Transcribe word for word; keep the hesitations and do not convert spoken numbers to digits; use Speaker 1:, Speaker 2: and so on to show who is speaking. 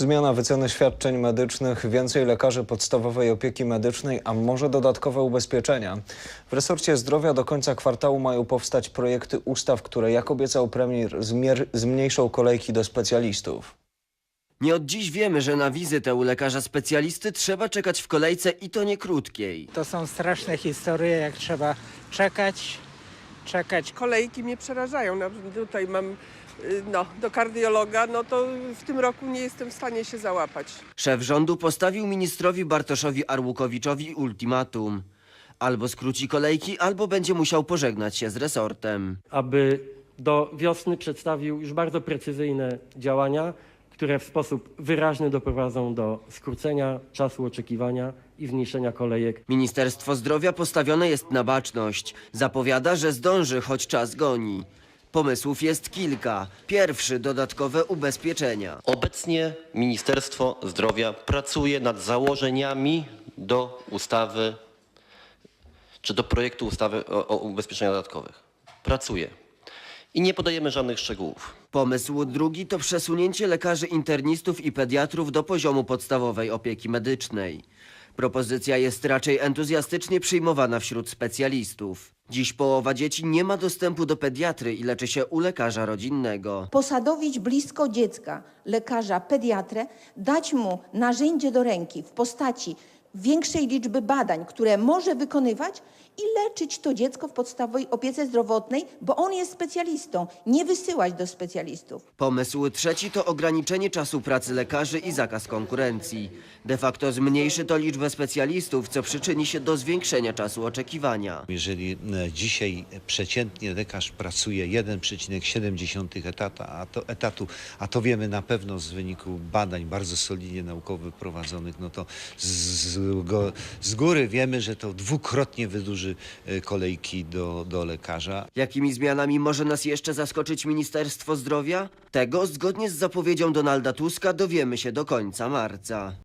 Speaker 1: Zmiana wyceny świadczeń medycznych, więcej lekarzy podstawowej opieki medycznej, a może dodatkowe ubezpieczenia. W resorcie zdrowia do końca kwartału mają powstać projekty ustaw, które, jak obiecał premier, zmniejszą kolejki do specjalistów.
Speaker 2: Nie od dziś wiemy, że na wizytę u lekarza specjalisty trzeba czekać w kolejce i to nie krótkiej.
Speaker 3: To są straszne historie, jak trzeba czekać, czekać.
Speaker 4: Kolejki mnie przerażają. No, tutaj mam no, do kardiologa, no to w tym roku nie jestem w stanie się załapać.
Speaker 2: Szef rządu postawił ministrowi Bartoszowi Arłukowiczowi ultimatum. Albo skróci kolejki, albo będzie musiał pożegnać się z resortem.
Speaker 5: Aby do wiosny przedstawił już bardzo precyzyjne działania, które w sposób wyraźny doprowadzą do skrócenia czasu oczekiwania i zmniejszenia kolejek.
Speaker 2: Ministerstwo Zdrowia postawione jest na baczność. Zapowiada, że zdąży, choć czas goni. Pomysłów jest kilka. Pierwszy, dodatkowe ubezpieczenia.
Speaker 6: Obecnie Ministerstwo Zdrowia pracuje nad założeniami do ustawy, czy do projektu ustawy o, o ubezpieczeniach dodatkowych. Pracuje. I nie podajemy żadnych szczegółów.
Speaker 2: Pomysł drugi to przesunięcie lekarzy internistów i pediatrów do poziomu podstawowej opieki medycznej. Propozycja jest raczej entuzjastycznie przyjmowana wśród specjalistów. Dziś połowa dzieci nie ma dostępu do pediatry i leczy się u lekarza rodzinnego.
Speaker 7: Posadowić blisko dziecka lekarza pediatrę, dać mu narzędzie do ręki w postaci większej liczby badań, które może wykonywać i leczyć to dziecko w podstawowej opiece zdrowotnej, bo on jest specjalistą, nie wysyłać do specjalistów.
Speaker 2: Pomysł trzeci to ograniczenie czasu pracy lekarzy i zakaz konkurencji. De facto zmniejszy to liczbę specjalistów, co przyczyni się do zwiększenia czasu oczekiwania.
Speaker 8: Jeżeli dzisiaj przeciętnie lekarz pracuje jeden przecinek siedem etata, a to, etatu, a to wiemy na pewno z wyniku badań bardzo solidnie naukowych prowadzonych, no to z, z, go, z góry wiemy, że to dwukrotnie wydłuży kolejki do, do lekarza.
Speaker 2: Jakimi zmianami może nas jeszcze zaskoczyć Ministerstwo Zdrowia? Tego, zgodnie z zapowiedzią Donalda Tuska, dowiemy się do końca marca.